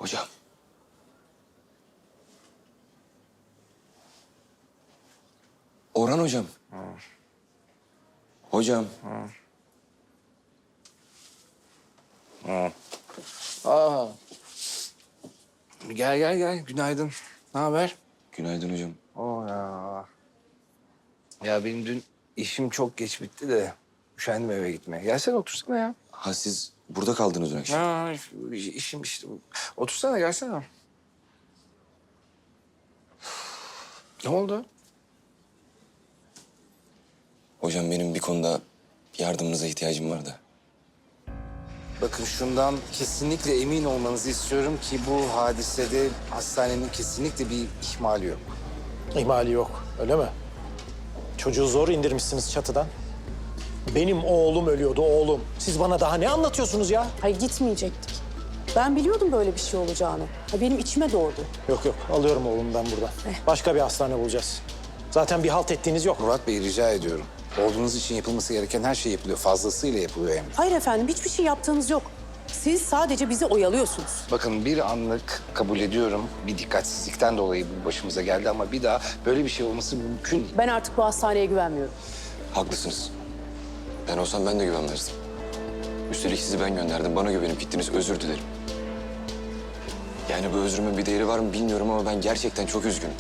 Hocam. Orhan hocam. Hocam. Aa. Gel. Günaydın. Ne haber? Günaydın hocam. Oo ya. Ya benim dün işim çok geç bitti de üşendim eve gitmeye. Gelsene otursana ya. Ha siz burada kaldınız dün akşam. Ha, işim işte. Otursana gelsene. Ne oldu? Hocam benim bir konuda yardımınıza ihtiyacım var da. Bakın şundan kesinlikle emin olmanızı istiyorum ki bu hadisede hastanenin kesinlikle bir ihmali yok. İhmali yok, öyle mi? Çocuğu zor indirmişsiniz çatıdan. Benim oğlum ölüyordu, oğlum. Siz bana daha ne anlatıyorsunuz ya? Hayır gitmeyecektik. Ben biliyordum böyle bir şey olacağını. Ha, benim içime doğdu. Yok, alıyorum oğlumu ben buradan. Başka bir hastane bulacağız. Zaten bir halt ettiğiniz yok. Murat Bey rica ediyorum. Oğlunuz için yapılması gereken her şey yapılıyor. Fazlasıyla yapılıyor hem de. Hayır efendim hiçbir şey yaptığınız yok. Siz sadece bizi oyalıyorsunuz. Bakın bir anlık kabul ediyorum. Bir dikkatsizlikten dolayı bu başımıza geldi ama bir daha böyle bir şey olması mümkün değil. Ben artık bu hastaneye güvenmiyorum. Haklısınız. Ben olsam ben de güvenmezdim. Üstelik sizi ben gönderdim. Bana güvenip gittiniz. Özür dilerim. Yani bu özrümün bir değeri var mı bilmiyorum ama ben gerçekten çok üzgünüm.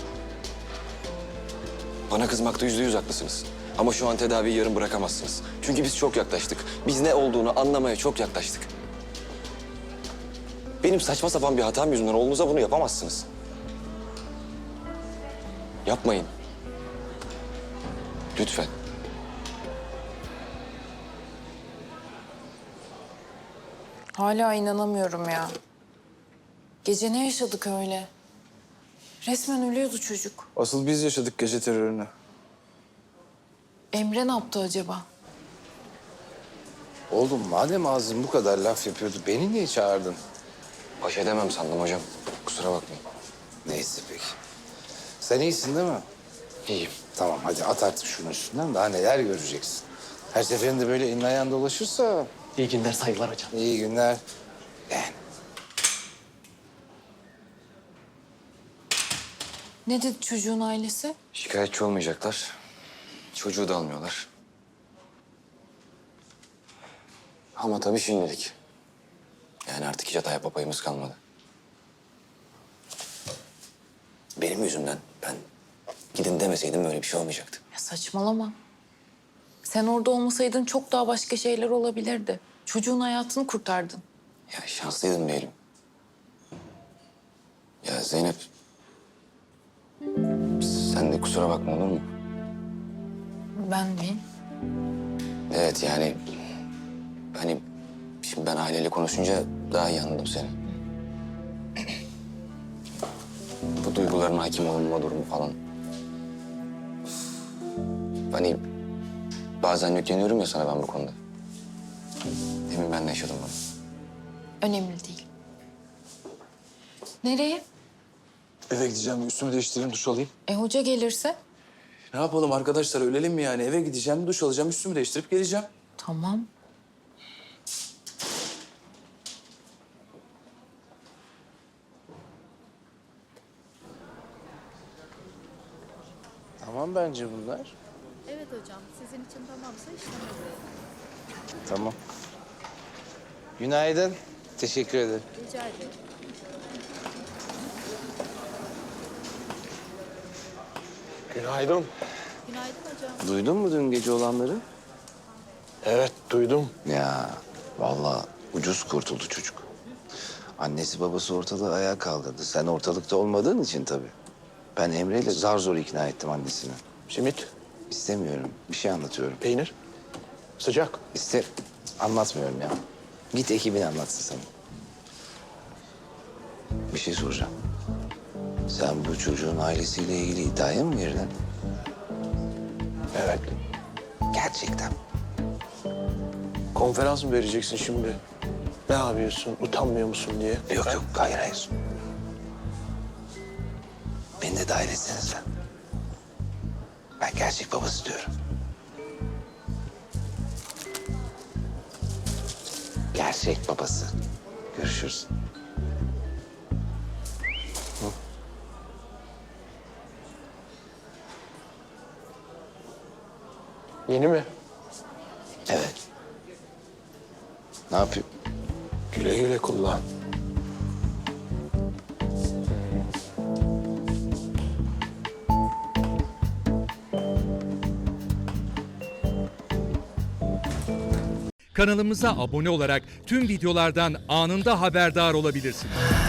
Bana kızmakta %100 haklısınız. Ama şu an tedaviyi yarım bırakamazsınız. Çünkü biz çok yaklaştık. Biz ne olduğunu anlamaya çok yaklaştık. Benim saçma sapan bir hatam yüzünden oğlunuza bunu yapamazsınız. Yapmayın. Lütfen. Hala inanamıyorum ya. Gece ne yaşadık öyle? Resmen ölüyordu çocuk. Asıl biz yaşadık gece terörünü. Emre ne yaptı acaba? Oğlum madem ağzın bu kadar laf yapıyordu beni niye çağırdın? Baş edemem sandım hocam. Kusura bakmayın. Neyse peki. Sen iyisin değil mi? İyiyim. Tamam hadi at artık şunun üstünden daha neler göreceksin. Her seferinde böyle elin ayağın dolaşırsa İyi günler, saygılar hocam. iyi günler. Yani Ne dedi çocuğun ailesi? Şikayetçi olmayacaklar. Çocuğu da almıyorlar. Ama tabii şimdilik. Yani artık hiç hata yapma payımız kalmadı. Benim yüzümden ben gidin demeseydim böyle bir şey olmayacaktı. Ya saçmalama. Sen orada olmasaydın çok daha başka şeyler olabilirdi. Çocuğun hayatını kurtardın. Ya şanslıydım diyelim. Ya Zeynep... Sen de kusura bakma olur mu? Ben mi? Evet yani... Hani şimdi ben aileyle konuşunca daha iyi anladım seni. Bu duyguların hakim olunma durumu falan. Hani bazen yükleniyorum ya sana ben bu konuda. Demin ben de yaşadım bunu. Önemli değil. Nereye? Eve gideceğim, üstümü değiştireyim, duş alayım. Hoca gelirse? Ne yapalım arkadaşlar, ölelim mi yani? Eve gideceğim, duş alacağım, üstümü değiştirip geleceğim. Tamam. tamam bence bunlar. Evet hocam, sizin için tamamsa işleme verelim. Tamam. Günaydın. Teşekkür ederim. Rica ederim. Günaydın. Günaydın hocam. Duydun mu dün gece olanları? Evet, duydum. Ya vallahi ucuz kurtuldu çocuk. Annesi babası ortalığı ayağa kaldırdı. Sen ortalıkta olmadığın için tabii. Ben Emre'yle zar zor ikna ettim annesini. Simit, İstemiyorum. Bir şey anlatıyorum. peynir, sıcak. Anlatmıyorum ya. Git ekibine anlatsın sana. Bir şey soracağım. Sen bu çocuğun ailesiyle ilgili iddiaya mı girdin? Evet. Gerçekten. Konferans mı vereceksin şimdi? Ne yapıyorsun, utanmıyor musun diye? Yok, hayır. Beni de dahil etsene sen. Ben gerçek babası diyorum. Gerçek babası. Görüşürüz. Yeni mi? Evet. Ne yapayım? Güle güle kullan. Kanalımıza abone olarak tüm videolardan anında haberdar olabilirsiniz.